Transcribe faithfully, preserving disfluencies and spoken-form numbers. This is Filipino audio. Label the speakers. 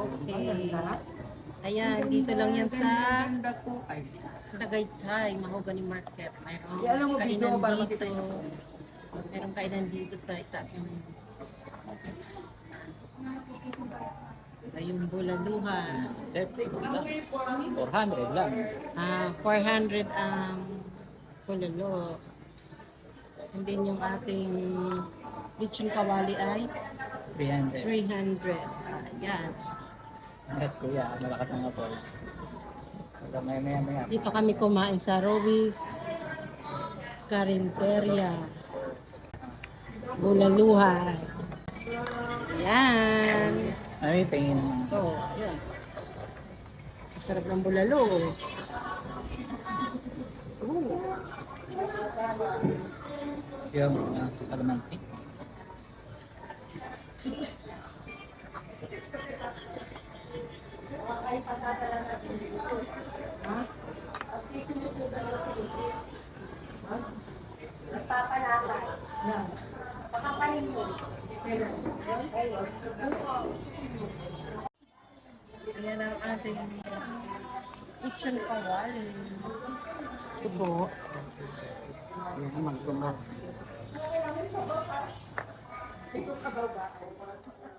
Speaker 1: Okay. Ayan, dito lang yan sa Tagaytay, Mahogany Market. Mayroong kainan dito. Mayroong kainan dito sa itaas ng ayun, bulaluhan.
Speaker 2: four hundred lang.
Speaker 1: Ah, four hundred ang bulalo. And then yung ating lechon kawali ay
Speaker 2: three hundred.
Speaker 1: three hundred. Ayan.
Speaker 2: Ingat kuya, malakas ang apol. Hanggang maya maya maya.
Speaker 1: Dito kami kumain sa Rowi's Carinteria. Bulaluhan. Ayan.
Speaker 2: Ano yung tingin?
Speaker 1: So, ayan. Masarap ng bulalo. Ooh.
Speaker 2: Yung uh, kalamansi.
Speaker 3: Nagpapalakas. Pakapahin mo.
Speaker 1: Ayan ang ating lechon kawali. Tubo.
Speaker 2: Yung magtumas.
Speaker 3: Ito ka ba ba?